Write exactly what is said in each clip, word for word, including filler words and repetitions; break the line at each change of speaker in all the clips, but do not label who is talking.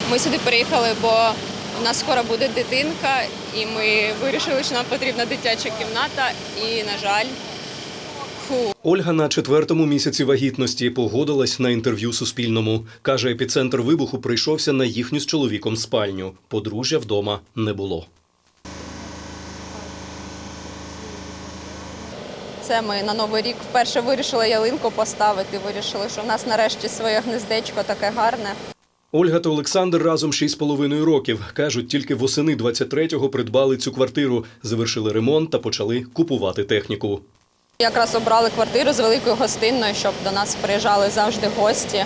Ми сюди приїхали, бо у нас скоро буде дитинка, і ми вирішили, що нам потрібна дитяча кімната, і, на жаль, фу.
Ольга на четвертому місяці вагітності погодилась на інтерв'ю Суспільному. Каже, епіцентр вибуху прийшовся на їхню з чоловіком спальню. Подружжя вдома не було.
Це ми на Новий рік вперше вирішили ялинку поставити, вирішили, що в нас нарешті своє гнездечко таке гарне.
Ольга та Олександр разом шість з половиною років. Кажуть, тільки восени двадцять третього придбали цю квартиру, завершили ремонт та почали купувати техніку.
Якраз обрали квартиру з великою гостинною, щоб до нас приїжджали завжди гості.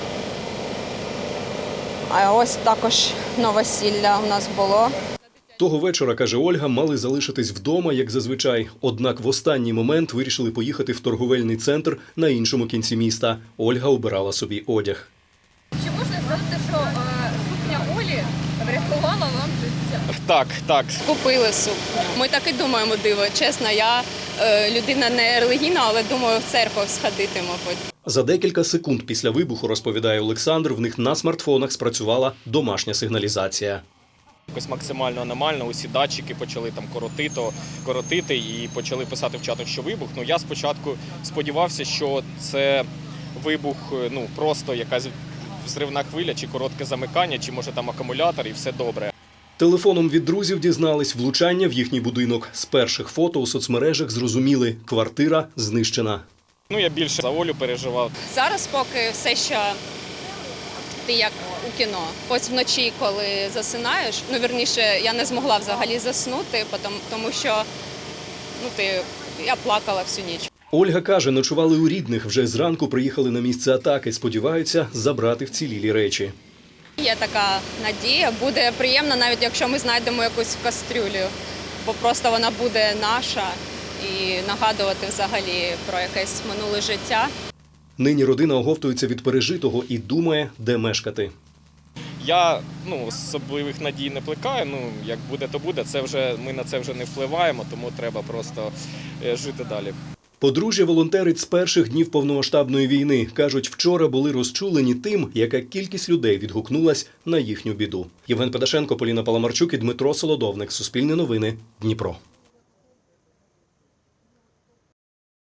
А ось також новосілля у нас було.
Того вечора, каже Ольга, мали залишитись вдома, як зазвичай. Однак в останній момент вирішили поїхати в торговельний центр на іншому кінці міста. Ольга обирала собі одяг.
Чи можна сказати, що е, сукня Олі врятувала вам життя?
Так, так.
Купили сукню. Ми так і думаємо, диво. Чесно, я е, людина не релігійна, але думаю, в церкву сходити, мабуть.
За декілька секунд після вибуху, розповідає Олександр, в них на смартфонах спрацювала домашня сигналізація.
Якось максимально аномально усі датчики почали там коротити, коротити і почали писати в чатах, що вибух. Ну, я спочатку сподівався, що це вибух, ну, просто якась взривна хвиля, чи коротке замикання, чи може там акумулятор, і все добре.
Телефоном від друзів дізнались влучання в їхній будинок. З перших фото у соцмережах зрозуміли – квартира знищена.
Ну, я більше за Олю переживав.
Зараз поки все ще ти як у кіно. Ось вночі, коли засинаєш, ну, вірніше, я не змогла взагалі заснути, тому що ну, ти, я плакала всю ніч.
Ольга каже, ночували у рідних, вже зранку приїхали на місце атаки, сподіваються забрати вцілілі речі.
Є така надія, буде приємно, навіть якщо ми знайдемо якусь кастрюлю, бо просто вона буде наша і нагадувати взагалі про якесь минуле життя.
Нині родина оговтується від пережитого і думає, де мешкати.
Я ну, особливих надій не плекаю, ну, як буде, то буде. Це вже, ми на це вже не впливаємо, тому треба просто жити далі.
Подружжя волонтерить з перших днів повномасштабної війни. Кажуть, вчора були розчулені тим, яка кількість людей відгукнулась на їхню біду. Євген Педашенко, Поліна Паламарчук і Дмитро Солодовник. Суспільне новини. Дніпро.